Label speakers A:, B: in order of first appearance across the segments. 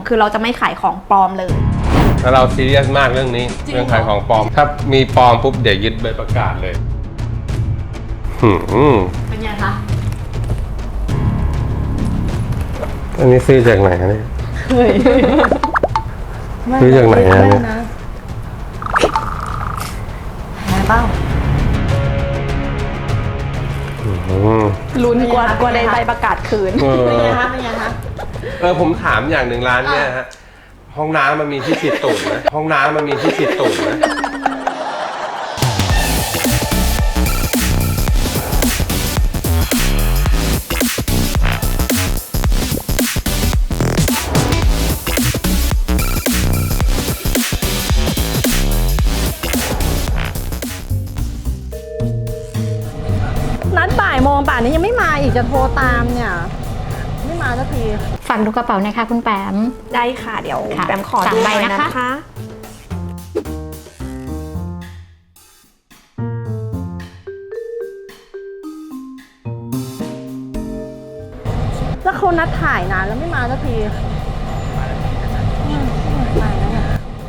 A: คือเราจะไม่ขายของปลอมเลย
B: แล้วเราซีเรียสมากเรื่องนี้เรื่องขายของปลอมถ้ามีปลอมปุ๊บเดี๋ยวยึดใบประกาศเลย
A: เป็นไงคะ
B: อันนี้ซื้อจากไหนเนี่ยซื้อจากไหนเนี่ย
A: ไหนบ้างลุ้นกว่าได้ใบประกาศคืนเป็นไงคะเป็นไงคะ
B: ผมถามอย่างหนึ่งร้านเนี่ยฮะห้องน้ำมันมีที่ฉีดตูดไหมห้องน้ำมันมีที่ฉีดตูดไหม
C: นัดบ่ายโมงป่านนี้ยังไม่มาอีกจะโทรตามเนี่ยไม่มาสักที
D: ฝากดูกระเป๋านะคะคุณแปม
A: ได้ค่ะเดี๋ยวแปมขอดู
D: 3 ใบ
A: หน่อย
D: นะคะ
C: แล้วเขานัดถ่ายนานแล้วไม่มาสักทีมาแล้วเนี่ย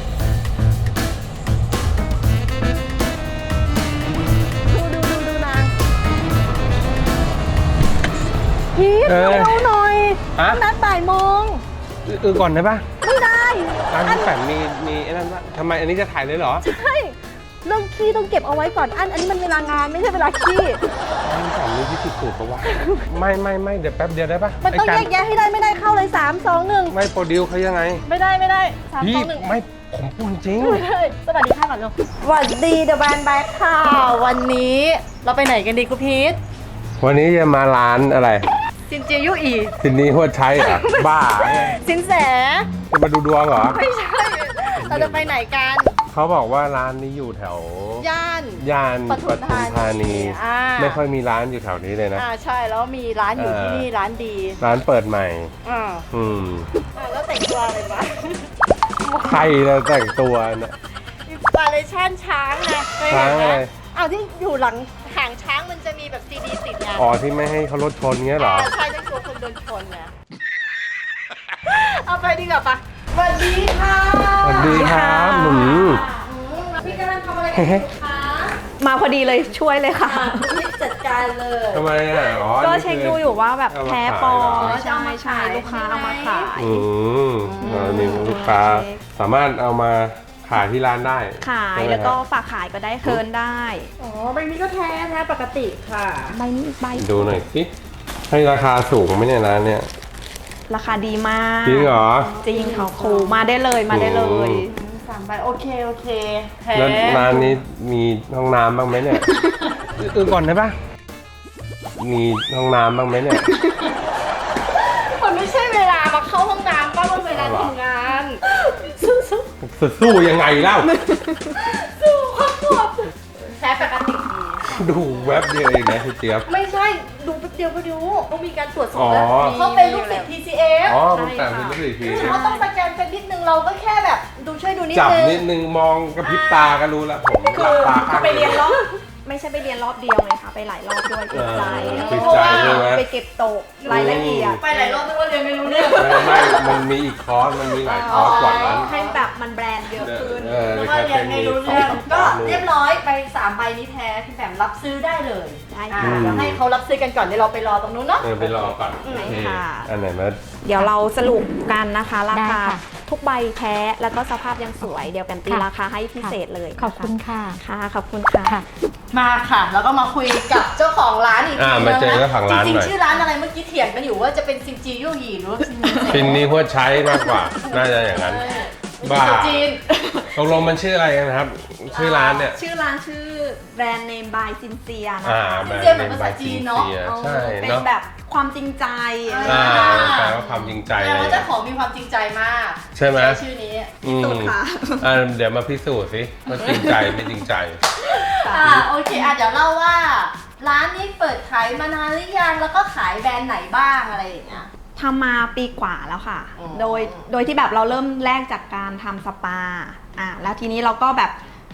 C: ดูนางพีทเอาหน่อยนัดบ่ายโมง
B: ก่อนได้ปะ
C: ไม่ได้
B: ร้านพี่แปมมีไอ้นั่นปะทำไมอันนี้จะถ่ายเลยเหรอ
C: ใช่เรื่องขี้ต้องเก็บเอาไว้ก่อนอันนี้มันเวลางานไม่ใช่เวลาขี้
B: ร้านพี่แปมมีที่ติดตูดปะวะไม่เดี๋ยวแป๊บเดียวได้ปะ
C: มันต้องแยกแยะให้ได้ไม่ได้เข้าเลย3 2 1
B: ไม่โปรดิวเขายังไง
C: ไม่ได้3 2 1
B: ไม่ผมพูดจริง
C: สวัสดีค่ะก่อนลูกสวัสดีเดอะแบนด์แบ็คค่ะวันนี้เราไปไหนกันดีคุณพีท
B: วันนี้จะมาร้านอะไร
C: ซินเจียยู่อี
B: ซินนี้หัวใช้เหรอบ้า
C: สินแส
B: จะมาดูดวงเหรอ
C: ไม่ใช่เราจะไปไหนกัน
B: เขาบอกว่าร้านนี้อยู่แถวย่านปทุมธานีไม่ค่อยมีร้านอยู่แถวนี้เลยนะ
C: ใช่แล้วมีร้านอยู่ที่นี่ร้านดี
B: ร้านเปิดใหม่
C: แล้วแต่งตัวอะไรบ้าง
B: ใครจะแต่งตัวนะ
C: อินสปิเรชั่นช้างไง
B: ช้างอะไร
C: ที่อยู่หลังหางช้างมันจะมีแบบซีดีติดไง
B: ที่ไม่ให้เขารถชนเงี้ยเหรอ
C: ใช่ต้องกลัวคนโดนชนไงเอาไปดีกว่าปะสวัสดีค่ะ
B: สวัสดีครับ
C: พี่กำลังทำอะไรกันคะ
A: มาพอดีเลยช่วยเลยค่ะ
C: พี่จัดการเลย
B: ทำไม
A: ก็เช็คดูอยู่ว่าแบบแพ้ปลอมใช่ลูกค้าเอามาขาย
B: มีลูกค้าสามารถเอามาขายที่ร้านได้
A: ขายแล้วก็ฝากขายก็ได้เคินได้
C: ใบนี้ก็แท้ปกติค่ะ
A: ใบนี้อีกใบ
B: ดูหน่อยสิให้ราคาสูงไหมเนี่ยร้านเนี่ย
A: ราคาดีมาก
B: จริงเหรอ
A: จริงค่ะครูมาได้เลย
C: 3 ใบโอเค
B: แล้วร้านนี้มีห้องน้ำบ้างไหมเนี่ยก่อนได้ปะมีห้องน้ำบ้างไหมเนี่ย
C: มันไม่ใช่เวลามาเข้าห้องน้ำป้ามันเวลาทำงาน
B: สู้ยังไงเล่า
C: สู้ครับแท้ปกติ
B: ดูแว็บเดียวเองนะคุณเจี๊ยบ
C: ไม่ใช่ดูแป๊บเดียวก็ดูต้องมีการตรวจสอบแล้วเขาเป็นลูกศิษย์ TCF
B: ลูกแต่เป็นลูกศิษย์ TCF
C: เขาต้องสแกนเป็นนิดนึงเราก็แค่แบบช่วยดูนิดนึง
B: จับนิดนึงมองกระพริบตาก็รู้แล้วผมหลับตาข้าง
A: ไปเรียนรอบไม่ใช่ไปเรียนรอบเดียวไงคะไปหลายรอบด้วยติดใจไปเก็บตกรายละเอียด
C: ไปหลายรอบด้วยว่าเรียนไม่รู้เรื่อง
B: ไม่มันมีอีกคอร์สมันมีหลายคอร์สกว่านั้น
A: ให้แบบมันแบรนด์เยอะขึ้น
C: เพราะว่าเรียนไม่รู้เรื่องก็เรียบร้อยไป3 ใบนี้แท้พี่แปมรับซื้อได้เลยเดี๋ยวให้เขารับซื้อกันก่อนเดี๋ยวเราไปรอตรงนู้นเนาะ
B: ไปรอก่อน
A: ค่ะ
B: อันไหนมา
A: เดี๋ยวเราสรุปกันนะคะราคาทุกใบแท้แล้วก็สภาพยังสวยเดี๋ยวแปมตีราคาให้พิเศษเลย
D: ขอบคุณค่ะ
A: ขอบคุณค่ะ
C: มาค่ะแล้วก็มาคุยกับเจ้าของร้านอีกทีนึง
B: มาเจอเจ้าของร้าน
C: จริงๆชื่อร้านอะไรเมื่อกี้เถียงกันอยู่ว่าจะเป็นซินจียู่หยีหรือว่า
B: ซินนี้หัวใช้มากกว่าน่าจะอย่างนั้นบ้า
C: จีน
B: ตกลงมันชื่ออะไรกันครับชื่อร้านเนี่ย
A: ชื่อร้านชื่อแบรนด์เนมบายซินเซียนะ
B: แบรนด์
C: เนมบายซินเซียเนาะ
B: ใช่
A: เป็นแบบความจริงใจ
B: แปลว่าความจริงใจ
C: เลยแล้วเจ้าของมีความจริงใจมาก
B: ใช่ไหม
C: ชื่อนี้
A: พิสูจน์ค่ะ
B: เดี๋ยวมาพิสูจน์สิว่าจริงใจไม่จริงใจ
C: โอเคเดี๋ยวเล่าว่าร้านนี้เปิดขายมานานหรือยังแล้วก็ขายแบรนด์ไหนบ้างอะไรอย่างเงี้ย
A: ทำมาปีกว่าแล้วค่ะโดยที่แบบเราเริ่มแรกจากการทำสปาแล้วทีนี้เราก็แบบ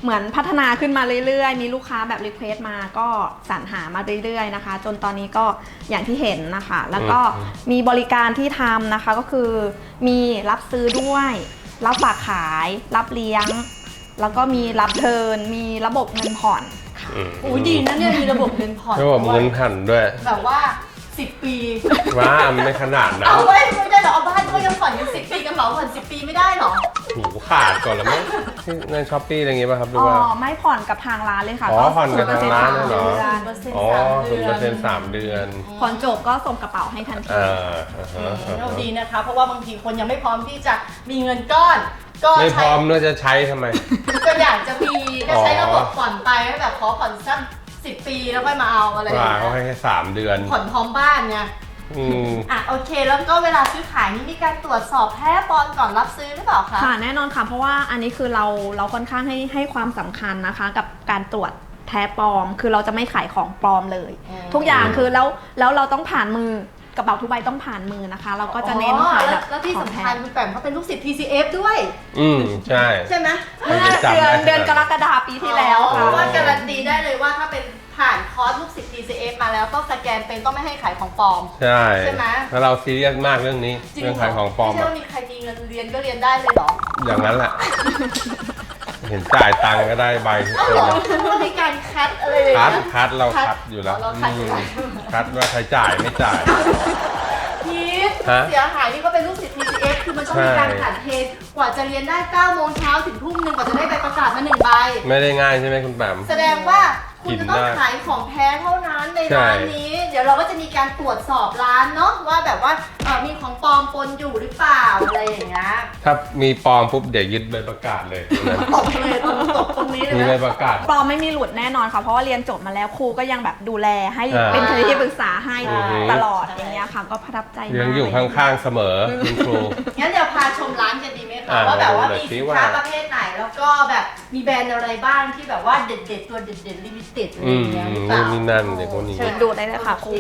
A: เหมือนพัฒนาขึ้นมาเรื่อยๆมีลูกค้าแบบรีเควสต์มาก็สรรหามาเรื่อยๆนะคะจนตอนนี้ก็อย่างที่เห็นนะคะแล้วก็มีบริการที่ทำนะคะก็คือมีรับซื้อด้วยรับฝากขายรับเลี้ยงแล้วก็มีรับเทิร์นมีระบบเงินผ่อนค่ะ
C: โอ้ยดีนะเนี่ยมีระบบเงินผ่อน
B: ระบบเงินผ่อนด้วย
C: แบบว่า 10 ปี
B: ว่าไม่ขนาดนั้น
C: เอาไว้ไม่ได้เหรอเอาบ้านก็ยังผ่อนกัน10 ปีกระเป๋าผ่อน10 ปีไม่ได้เหรอ
B: หูขาดก่อนแล้วมั้งในช้อปปี้อะไรอย่างงี้ป่ะครับหรือ
A: อ๋อ
B: ว่า
A: ไม่ผ่อนกับทางร้านเลยค่ะ
B: อ๋อผ่อนกับทางร้านเลยเหรอ
A: 0%
B: อ๋อ0% 3 เดือน
A: ผ่อนจบก็ส่งกระเป๋าให้ทันที
B: อ่า
C: เราดีนะคะ เพราะว่าบางทีคนยังไม่พร้อมที่จะมีเงินก้อน ก็
B: ไม่พ
C: ใช้
B: ร้อมด้วยจะใช้ทำไม
C: ก็อยากจะมีก็ใช้ระบบผ่อนไปให้แบบขอผ่อนสัก10 ปีแล้วค่อยมาเอาอะไรอย่าง
B: ว่า
C: เงี้
B: เขาให้
C: ย
B: แค่3 เดือน
C: ผ่อนพร้อมบ้านไง
B: อืม
C: อ่ะโอเคแล้วก็เวลาซื้อขายนี่มีการตรวจสอบแท้ปลอมก่อนรับซื้อหรือเปล่าคะ
A: ค่ะแน่นอนค่ะเพราะว่าอันนี้คือเราค่อนข้างให้ความสำคัญนะคะกับการตรวจแท้ปลอม คือเราจะไม่ขายของปลอมเลย ทุกอย่างคือแล้วเราต้องผ่านมือกระเป๋าทุกใบต้องผ่านมือนะคะ เราก็จะเน้นขายแบบ
C: แล้วที่
A: ของ
C: สำ
A: แท้
C: คัญคุณแปมเขาเป็นลูกศิษย์ TCF ด้วย
B: ใช่
C: ใช่ไหม
B: มันจะจำ
A: เดือน
B: ได้
A: เดือนกรกฎาคมปีที่แล้ว
C: เพ
A: ค่ะ
C: ราะว่าการันตีได้เลยว่าถ้าเป็นผ่านคอร์สลูกศิษย์ TCF มาแล้วต้องสแกนเป็นต้องไม่ให้ขายของปลอม
B: ใช่
C: ใช่ไหม
B: แล้วเราซีเรียสมากเรื่องนี้
C: จริ
B: เรื่องขายของปลอม
C: ไม่ใช่
B: อะ
C: ว่ามีใครมีเงินเรียนก็เรียนได้เลยเหรอ
B: อย่างนั้นแหละ เห็นจ่ายตังค์ก็ได้ใบทุก
C: อ้าว
B: ค
C: เหร
B: น
C: อเพราะว่ามีการคัดอะไรอย่าง
B: คัด
C: เงี้ย
B: คัดเราคัดอยู่แล้ว
C: เราคัดอยู่แล้ว
B: คัดว่าใครจ่ายไม่จ่าย
C: พีท
B: ฮะ
C: เสียหายนี่ก็เป็นลูกศิษย์ TCF คือมันต้องมีการผ่านเทรนกว่าจะเรียนได้9 โมงเช้าถึงทุ่มหนึ่งกว่าจะได้ใบประกาศมา1 ใบ
B: ไม่ได้ง่ายใช่ไหมคุณแปม
C: แสดงว่าคุณจะต้อง
B: กินได้
C: ขายของแท้เท่านั้นใน
B: ใช่
C: ร้านนี้ เดี๋ยวเราก็จะมีการตรวจสอบร้านเนาะว่าแบบว่ามีของปลอมปนอยู่หรือเปล่าอะไรอย่างเงี้ย
B: ถ้ามีปลอมปุ๊บเดี๋ยวยึดใบประกาศเลยนะ
C: ตบเลยตบตรงนี้เลย
B: มีใบ
C: นะ
B: ประกาศ
A: ปลอมไม่มีหลุดแน่นอนค่ะเพราะว่าเรียนจบมาแล้วครูก็ยังแบบดูแลให้
B: อ่า
A: เป็นที่ปรึกษาให้
B: อือฮึ
A: ตลอดอย่างเงี้ยค่ะก็ประทับใจมาก
B: ยังอยู่ข้างๆเสมอคุณครู
C: งั้นเดี๋ยวพาชมร้านกันดีไหมคะ
B: อ่า
C: ว่าแบบว่า
B: เดี๋
C: มี
B: ยวสิ
C: สิน
B: ว่า
C: ค้าประเภทไหนแล้วก็แบบมีแบรนด์อะไรบ้างที่แบบว่าเด็ดๆตัวเด็ดๆลิมิเต็ดอะไรอย่างเงี้ยหรือเปล่า
B: นี่นั่นเด็กคนนี้
A: เชิญดูได้เลยค่ะครู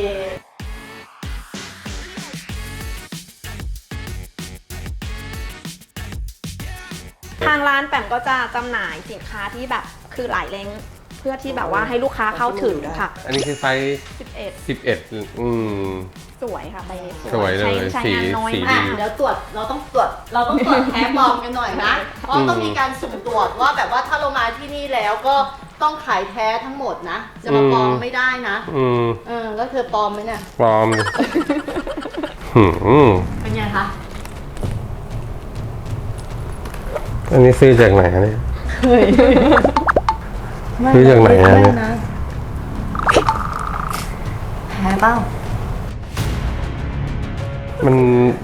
A: ทางร้านแปมก็จะจำหน่ายสินค้าที่แบบคือหลายเลนส์เพื่อที่แบบว่าให้ลูกค้าเข้าถึงค่ะ
B: อันนี้คือไซส์
A: 11
B: 11
A: สวยค่ะใบนี้
B: สวยเลย
A: ใช้
B: สี
A: งานน้อย
B: สี
A: มา
B: ดี
A: ก
C: เดี๋ยวเราต้องตรวจแท้ปลอมกันหน่อยนะ เพราะต้องมีการสุ่มตรวจว่าแบบว่าถ้าเรามาที่นี่แล้วก็ต้องขายแท้ทั้งหมดนะ จะมาปลอมไม่ได้นะ แล้วเธอปลอมไหมเนี่ย
B: ปลอมดิ
C: เป็นไงคะ
B: อันนี้ซื้อจากไหนเนี่ยซื้อจากไหนอะเนี่ย
C: แท้เปล่า
B: มัน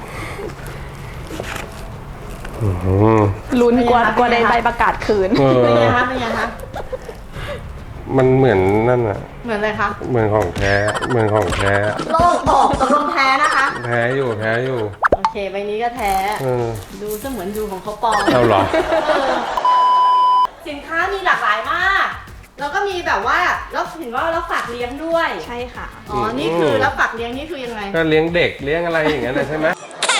A: ลุ้นกว่าได้ใบประกาศคืน
C: เป็นไงคะเป็นไงคะ
B: มันเหมือนนั่นอะ
C: เหมือนอะไรคะ
B: เหมือนของแท้เหมือนของแท้
C: โลกบอกตกลงแท้นะคะ
B: แท้อยู่แท้อยู่
C: โอเคใบนี้ก็แท้ ดูเสมือนดูของเขาปลอม
B: เอาเหรอ
C: สินค้ามีหลากหลายมาก แล้วก็มีแบบว่าแล้วเห็นว่าเราฝากเลี้ยงด้วย
A: ใช่ค่ะ
C: อ๋อ นี่คือแล้วฝากเลี้ยงนี่คือยังไง
B: ก็เลี้ยงเด็กเลี้ยงอะไรอย่างเงี้ยนะใช่ไหม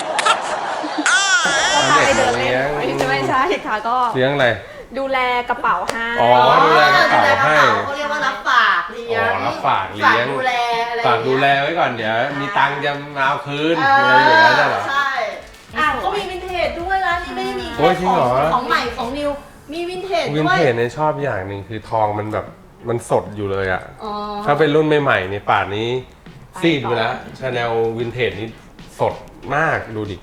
B: เอาเด็กมาเลี้ยง
A: ไม่ใช่ค่ะก็
B: เลี้ยงอะไร
A: ดูแลกระเป๋าให้
B: อ๋อ ดูแลกระเป๋าให้
C: เขาเรียกว่ารับฝากเลี้ยง
B: อ๋อรับฝากเลี้ยง
C: ฝากดูแลอะไร
B: ฝากดูแลไว้ก่อนเดี๋ยวมีตังค์จะมาเอาคืนอะไรอย่างเงี้ยเหรอ
C: ใช่เขามีวินเทจด้วยร้านนี้ไม่ได้มี
B: โอ้
C: แค่
B: ยจริงเหรอ
C: ของใหม่ของนิว มีวินเทจ
B: วิน
C: ด้วย
B: เทจเนี่ยชอบอย่างหนึ่งคือทองมันแบบมันสดอยู่เลยอะ
C: อ๋อ
B: ถ้าเป็นรุ่นใหม่ๆเนี่ยป่านนี้ซีดไปแล้วชาแนลวินเทจนี่สดมากดูดิ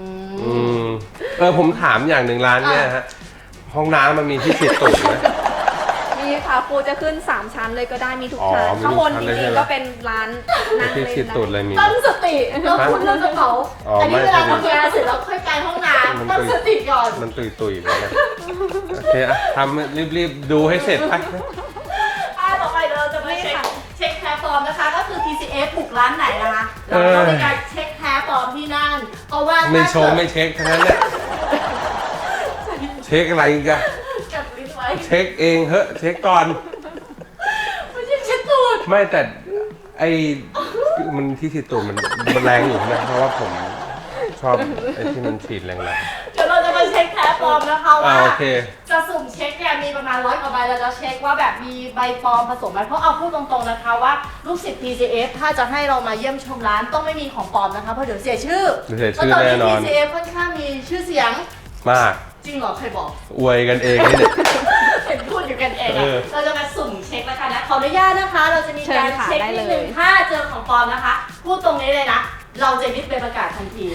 B: ผมถามอย่างหนึ่งร้านเนี่ยฮะห้องน้ำมันมีที่ฉีดตูดไหม
A: มีค่ะครูจะขึ้น 3 ชั้นเลยก็ได้มีทุก
B: อ๋อ
A: ชั้น
B: มีทุก
A: ข้างบน
B: ชั้น
A: จ
B: เลยใช่
A: ริง
B: ไหม
A: ๆก็เป็นร้านนั่ง
B: ที่
A: เล่
B: ฉีด
A: น
B: ตูดอะไรมี
C: ตั้งสติเราพูดเรื่องกระเป๋า
B: อ๋อ
C: อันนี้
B: ไม่
C: เวลา
B: ใช่
C: ทำงานเสร็จแล้วค่อยไปห้องน้ำตั้งสติก่อน
B: มันตุยๆไปเลยโอเคอะทำรีบๆดูให้เสร็จไป
C: ต่อไปเดี๋ยวเราจะมาเช็คแท้ปลอมนะคะ ก็คือ TCF บุกร้านไหนนะคะเราต้องมีการเช็คแท้ปลอมที่นั่นเพราะว่า
B: ไม่โชว์ไม่เช็คทั้งนั้นแหละเช็คอะไรอีกัน
C: จับลิ้นไว้
B: เช็คเองเฮ้เช็คก่อน
C: ไม่ใช่เช็คตูด
B: ไม่แต่ไอ้มันที่ฉีดตูดมันแรงอยู่นะเพราะว่าผมชอบไอ้ที่มันฉีดแรง
C: เดี๋ยวเราจะมาเช็คแท้ปลอมนะคะว่า
B: โอเค
C: จะสุ่มเช็คเนี่ยมีประมาณ100 กว่าใบแล้วจะเช็คว่าแบบมีใบปลอมผสมไหมเพราะเอาพูดตรงๆนะคะว่าลูกศิษย์ TCF ถ้าจะให้เรามาเยี่ยมชมร้านต้องไม่มีของปลอมนะคะเพราะเดี๋ยวเสียชื่อ
B: เสียชื่อ
C: เพราะตอนนี้
B: แน่นอน
C: TCF ค่อนข้างมีชื่อเสียง
B: มาก
C: จริงเหรอใครบอก
B: อวยกันเองนี่เนี่ย
C: เห็นพูดอยู่กันเอง
B: เอ
C: อะ
B: อ
C: เราจะมาสุ่มเช็คแล้วกันนะขออนุญาตนะคะ เราจะมีการเช็คนิดนึงถ้าเจอของปลอมนะคะ พูดตรงนี้เลยนะ เราจะยึดไปประกาศทันที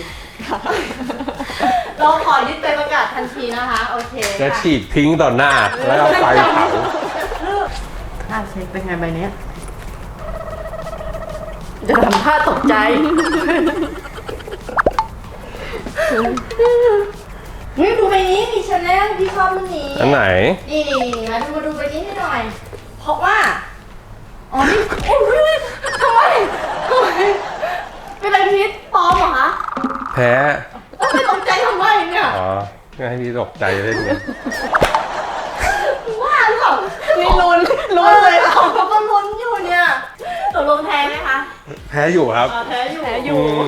C: เราขอยึดไปประกาศทันทีนะคะ โอเค
B: จะ
C: ค่ะ
B: ฉีดทิ้งต่อหน้า แล้วเอาไฟเผา
C: ท่าเช็คเป็นไงใบเนี้ยจะทำท่าตกใจ นี่ดูใบนี้มีชาแนลพี่ชอบมันนี้
B: อันไหน
C: นี่มาดูใบนี้ให้หน่อย เพราะว่า อ๋อ นี่โอ้ยทำไมเป็นอะไรพิษปลอมเหรอคะ
B: แพ้
C: ไม่ตกใจทำไมเนี่ย
B: อ๋อก็ให้พี่ตกใจเล่นไง
C: ว่าหรือเปล่า
A: นี่ลุ้นเลย
C: เขาก็ลุ้นอยู่เนี่ยตกลงแพ้ไหมคะ
B: แพ้อยู่ครับ
C: แพ้อยู่
B: อืม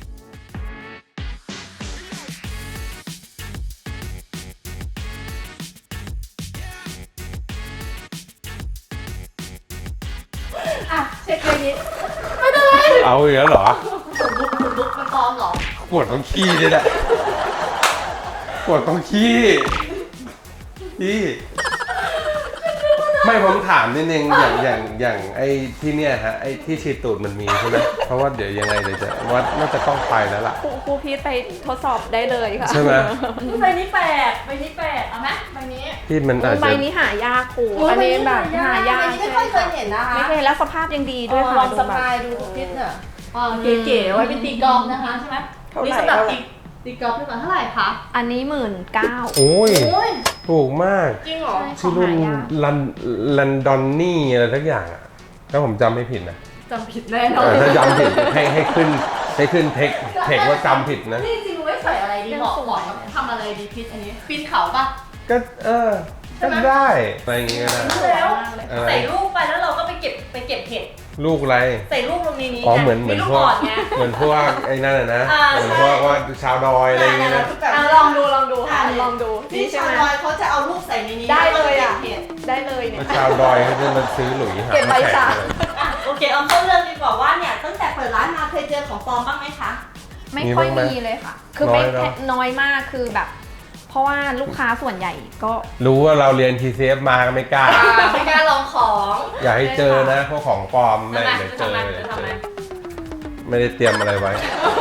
C: อ่ะเช็คใบนี้ไม่เป็นไร
B: เอาอีกแล้วเหรอ
C: ลุกมันปลอมเหรอ
B: ปวดต้องขี้เลยแหละปวดต้องขี้พี่ไม่ผมถามนิดนึงอย่างไอ้ที่เนี่ยฮะไอ้ที่ฉีดตูดมันมีใช่ไหมเพราะว่าเดี๋ยวยังไงเดี๋ยวจะว่าน่าจะต้องไปแล้วล่ะ
A: ครูพีทไปทดสอบได้เลยค่ะ
B: ใช่ไหม
C: ใบนี้แปลกเอาไหมใบนี้
B: ที่มันอาจ
A: ใบ
B: จะ
A: นี้หายากครูอันนี้แบบหายาก
C: ใบนี้ไม่ค่อยเคยเห็นนะคะ
A: ไม่เคยแล้วสภาพยังดีด้วย
C: ล
A: ค่ะ
C: องสปายดูพิษเนี่ยเก๋ๆไว้เป็นตีกอล์ฟนะคะใช่ไหม
A: เท่าไหร่
C: นี่สำหรับตีกอล์ฟพี่หมาเท่าไหร่คะ
A: อันนี้19,000
B: โอ้ย
C: โอ้ย
B: ถูกมาก
C: จริงเหรอ
B: ชื่อรุ่นลันดอนนี่อะไรทักอย่างอ่ะถ้าผมจำไม่ผิดนะ
C: จำผิดแน่นอน
B: ถ้าจำผิดให้ขึ้นเทคว่าจำผิดนะ
C: นี่จริงไว้ใส่อะไรดีเหมาะทำอะไรดีพิษอันนี้ปีนเขาปะ
B: ก็ก็ได้อะไรอย่างเงี้ยก็ได้
C: แล้ว
B: อะไร
C: ใส่ลูกไปแล้วเราก็ไปเก็บเห็ด
B: ลูกอะไร
C: ใส่ลูกลงในนี้
B: อ๋อเหมือน
C: มีลูก
B: พวก
C: อ่อนไง
B: เหมือนพวกไอ้นั่นนะ
C: อ่า
B: เหมือน
C: ใช่
B: พวกว่าชาวดอยอะไรอย่างเงี้ยนะ
A: ลองดูค่ะลองดู
C: พี่
A: ใช่
C: ชาว
A: ไหม
C: ดอยเขาจะเอาลูกใส่ในนี้
A: ได้เลยอ่ะ
C: ก็บเห็ด
A: ได้เลยเนี่ย
B: ชาวดอยเขาจะมาซื้อหลุยหา
A: เก็บใบ
B: แข
A: จาก
B: ก
C: โอเคเอาเข้าเรื่องดีกว่าว่าเนี่ยตั้งแต่เปิดร้านมาเคยเจอของปลอมบ้างไหมคะ
A: ไม่ค่อยมีเลยค่ะ คือไม่น้อยมากคือแบบ เพราะว่าลูกค้าส่วนใหญ่ก็
B: รู้ว่าเราเรียน TCF มาก็ไม่กล้า
C: ไม่กล้าลองของ
B: อย่าให้เจอนะพวกของปลอมไม่
C: ทำไม
B: เดี๋ยวเจ
C: ทำ
B: อ
C: ไม
B: เดี๋ยว
C: ทำ
B: เจ
C: ไม
B: อไม่ได้เตรียมอะไรไว้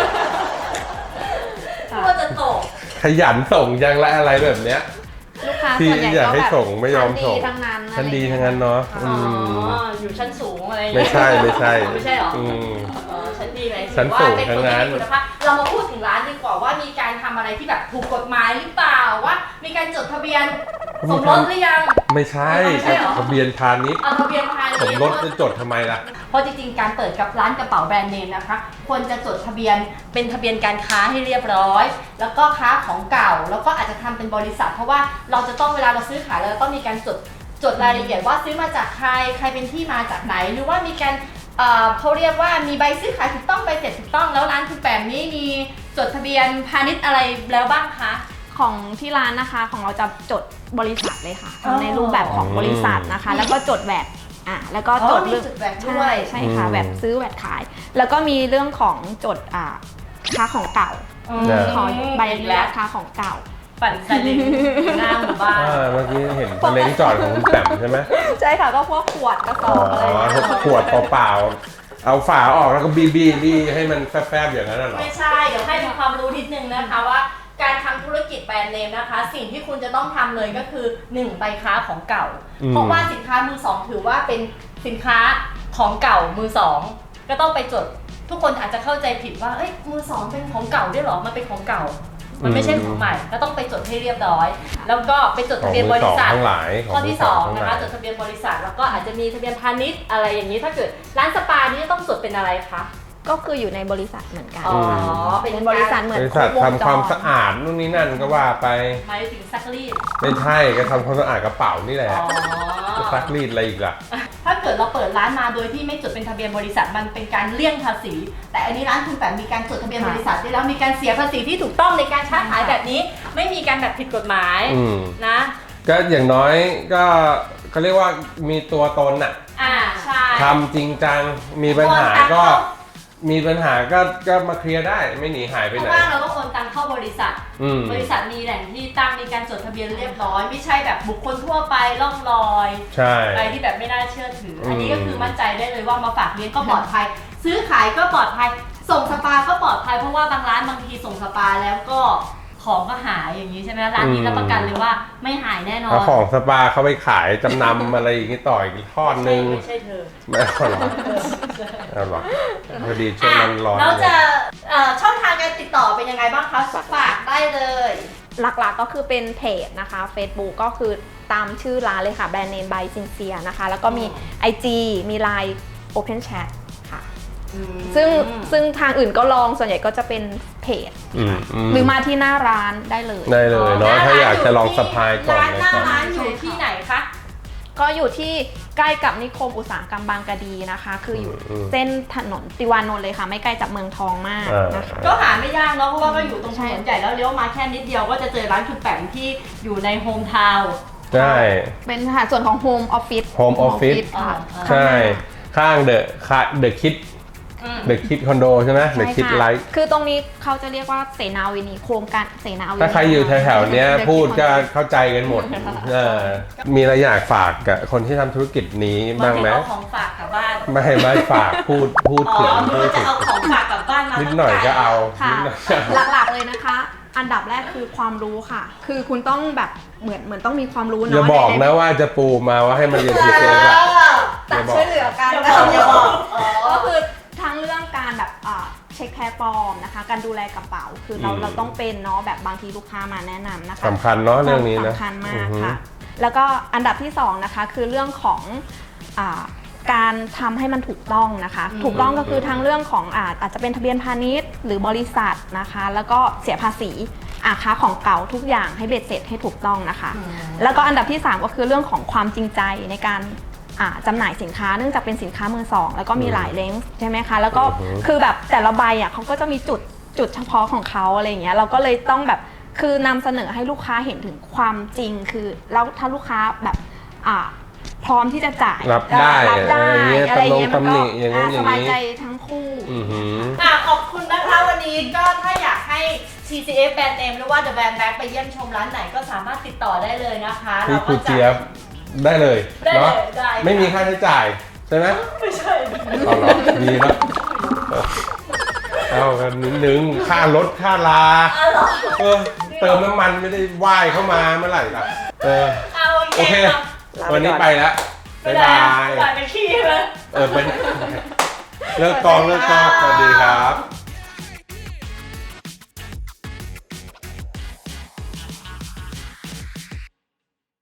C: กลัวจะตก
B: ขยันส่งยังและอะไรแบบเนี้ย
A: ลูกค้า
B: ที่
A: ส่วนใหญ่
B: อยาก
A: ก็
B: ให้
A: แบบ
B: ส่งไม่ยอมส่ง
A: ชั้นดีทั้งนั้น
B: ชั้นดีทั้งนั้นเนาะ
C: อ๋ออยู่ชั้นสูงอะไรอย่าง
B: ไม่
C: เงี้ย
B: ใช่ไม่ใช่
C: ไม่ใช่เหรอ
B: อืม
C: ชั้นดีเลย
B: ชั้นสูงทั้งนั้น
C: ถือว่าเป็นคนที่มีคุณภาพเรามาพูดถึงร้านดีกว่าว่ามีการทำอะไรที่แบบถูกกฎหมายหรือเปล่าว่ามีการจดทะเบียนสมรสหรือยัง
B: ไม่ใช่
C: ไม่ใช่เหรอ
B: ทะเบียนพาณิชย์
C: เอาทะเบียนภายใน
B: สมรสจะจดทำไมล่ะ
C: เพราะจริงๆ การเปิดกับร้านกระเป๋าแบรนด์เนมนะคะ ควรจะจดทะเบียนเป็นทะเบียนการค้าให้เรียบร้อย แล้วก็ค้าของเก่า แล้วก็อาจจะทำเป็นบริษัท เพราะว่าเราจะต้องเวลาเราซื้อขายเราจะต้องมีการจดรายละเอียดว่าซื้อมาจากใครเป็นที่มาจากไหน หรือว่ามีการเขาเรียกว่ามีใบซื้อขายถูกต้องใบเสร็จถูกต้องแล้วร้านคุณแปมนี้มีจดทะเบียนพาณิชย์อะไรแล้วบ้างคะ
A: ของที่ร้านนะคะของเราจะจดบริษัทเลยค่ะ
C: อ๋อ
A: ในรูปแบบของบริษัทนะคะ แล้วก็จดแวดแล้วก็จด
C: มี
A: เรื่อง
C: จดแวดด้ว
A: ใช่
C: ย
A: ใช่ค่ะ
B: อืม
A: แวดซื้อแวดขาย แล้วก็มีเรื่องของจดค้าของเก่า ขอใบอนุญาตค้าของเก่า
C: ปั่นซาเล้งหน้าหมู่บ้าน
B: เมื่อกี้เห็นทะเลงจอดของคุณแปมใช่ไหม
A: ใช่ค่ะก็พวกขวดกระส
B: อ๋
A: อ
B: อบ
A: อะไรอย่างเงี้ย
B: ขวดเปล่าๆเอาฝาออกแล้วก็บีให้มันแฟบๆอย่างนั้นน่ะเหรอ
C: ไม่ใช่ เดี๋ยวให้เป็นความรู้นิดนึงนะคะว่าการทำธุรกิจแบรนด์เนมนะคะ สิ่งที่คุณจะต้องทำเลยก็คือ 1 ใบค้าของเก่า เพราะว่าสินค้ามือสองถือว่าเป็นสินค้าของเก่ามือสองก็ต้องไปจด ทุกคนอาจจะเข้าใจผิดว่าเอ้ยมือสองเป็นของเก่าด้วยเหรอมันเป็นของเก่า มันไม่ใช่ของใหม่ก็ต้องไปจดให้เรียบร้อย แล้วก็ไปจดทะเบียนบริษัท
B: ของมือสองทั้งหลายของ
C: ข้อที่
B: มือสองทั้ง
C: 2
B: หลาย
C: นะคะจดทะเบียนบริษัทแล้วก็อาจจะมีทะเบียนพาณิชย์อะไรอย่างนี้ถ้าเกิดร้านสปานี่จะต้องจดเป็นอะไรคะ
A: ก็คืออยู่ในบริษัทเหมือนกัน
C: อ๋อ
A: เป็นบริษัทเหมือน
B: บริษัท
A: ครบวงจร
B: ทำความสะอาดนู่นนี่นั่นก็ว่าไป
C: หมายถึงซักรีด
B: ไม่ใช่ก็ทำความสะอาดกระเป๋านี่แหละ
C: อ๋อ
B: จะซักรีดอะไรอีกล่ะ
C: ถ้าเกิดเราเปิดร้านมาโดยที่ไม่จดเป็นทะเบียนบริษัทมันเป็นการเลี่ยงภาษีแต่อันนี้ร้านคุณแปมมีการจดทะเบียนบริษัทได้แล้วมีการเสียภาษีที่ถูกต้องในการค้าขายแบบนี้ไม่มีการแบบผิดกฎหมายนะ
B: ก็อย่างน้อยก็เขาเรียกว่ามีตัวตนน่ะ
C: ใช่
B: ทำจริงจังมีปัญหาก็มาเคลียร์ได้ไม่หนีหายไปไหน
C: เพราะว่าเราต้องโอนตังเข้าบริษัทมีแหล่งที่ตั้งมีการจดทะเบียนเรียบร้อยไม่ใช่แบบบุคคลทั่วไปล่องลอยไปที่แบบไม่น่าเชื่อถืออันนี้ก็คือมั่นใจได้เลยว่ามาฝากเลี้ยงก็ปลอดภัยซื้อขายก็ปลอดภัยส่งสปาก็ปลอดภัยเพราะว่าบางร้านบางทีส่งสปาแล้วก็ของก็หายอย่างนี้ใช่ไหมร้านนี้รับประกันเลยว่าไม่หายแน่นอน
B: เอาของสปาเขาไปขายจำนำอะไรอย่างนี้ต่ออีกทอดนึง
C: ไม่ใช่เธอ
B: ไม่เอาหรอเอาหรอพอดีช่วงนั้นร้อน
C: เราจะช่องทางการติดต่อเป็นยังไงบ้างคะฝากได้เลย
A: หลักๆก็คือเป็นเพจนะคะ Facebook ก็คือตามชื่อร้านเลยค่ะแบรนด์เนม by Sincere นะคะแล้วก็มี IG มี Line Open Chat ค่ะซึ่งทางอื่นก็ลองส่วนใหญ่ก็จะเป็นเพจหรือมาที่หน้าร้านได้เลย
B: เนาะถ้าอยากจะลองสะพายก่อน
C: หน้าร้านอยู่ที่ไหนคะ
A: ก็อยู่ที่ใกล้กับนิคมอุตสาหกรรมบางกะดีนะคะคืออยู่เส้นถนนติวานนท์เลยค่ะไม่ไกลจากเมืองทองมากนะคะ
C: ก็หาไม่ยากเนาะเพราะว่าก็อยู่ตรงถนนใหญ่แล้วเลี้ยวมาแค่นิดเดียวก็จะเจอร้านคุณแปมที่อยู่ในโฮมทาวน์
B: ใช่
A: เป็นค่ะส่วนของโฮมออฟฟิศ
B: ใช่ข้างเดอะคิดคอนโดใช่ไหมเดอะคิดไลท์
A: คือตรงนี้เขาจะเรียกว่าเสนาวินีโครงการเสนาวินี
B: ถ้าใครอยู่แถวๆนี้พูดก็เข้าใจกันหมดมีอะไรอยากฝากกับคนที่ทำธุรกิจนี้บ้างไหม
C: เอาของฝากกลับบ้าน
B: ไม่ฝากพูดถึง
C: จะเอาของฝากกลับบ้านมา
B: นิดหน่อยก็เอา
A: หลักๆเลยนะคะอันดับแรกคือความรู้ค่ะคือคุณต้องแบบเหมือนต้องมีความรู้เนาะ
B: อย่าบอกนะว่าจะปูมาว่าให้มันเรียนทีเซฟแบบ
A: แต่ช่วยเหลือกันก็คือทั้งเรื่องการแบบเช็คแพลตฟอร์มนะคะการดูแลกระเป๋าคือเราต้องเป็นเนาะแบบบางทีลูกค้ามาแนะนำนะคะ
B: สำคัญเนาะเรื่องนี้นะ
A: สำคัญมากค่ะแล้วก็อันดับที่2นะคะคือเรื่องของการทำให้มันถูกต้องนะคะถูกต้องก็คือทั้งเรื่องของอาจจะเป็นทะเบียนพาณิชย์หรือบริษัทนะคะแล้วก็เสียภาษีค้าของเก่าทุกอย่างให้เบ็ดเสร็จให้ถูกต้องนะคะแล้วก็อันดับที่3ก็คือเรื่องของความจริงใจในการจำหน่ายสินค้าเนื่องจากเป็นสินค้ามือสองแล้วก็มีหลายเลนส์ใช่ไหมคะแล้วก็คือแบบแต่ละใบเขาก็จะมีจุดเฉพาะของเขาอะไรอย่างเงี้ยเราก็เลยต้องแบบคือนำเสนอให้ลูกค้าเห็นถึงความจริงคือแล้วถ้าลูกค้าแบบพร้อมที่จะจ่าย
B: รับได้
A: อะไรอย่างเงี้ยมันก็สบายใจทั้งคู่
C: ขอบคุณนะคะวันนี้ก็ถ้าอยากให้ TCF แบรนด์เนมหรือว่า The Brand Bag ไปเยี่ยมชมร้านไหนก็สามารถติดต่อได้เลยนะคะ
B: เราก็จะได้เลยเนาะไม่มีค่าใช้จ่ายใช่ไหม
C: ไม่ใช่
B: เอาหรอดีนะเอากันนิดนึงค่ารถค่าลาเติมน้ำมันไม่ได้ว่ายเข้ามาเมื่อไหร่ล่ะโอเควันนี้ไปแล้วบ๊ายบาย
C: ไปขี้เลย
B: ไปเลิกกองสวัสดีครับ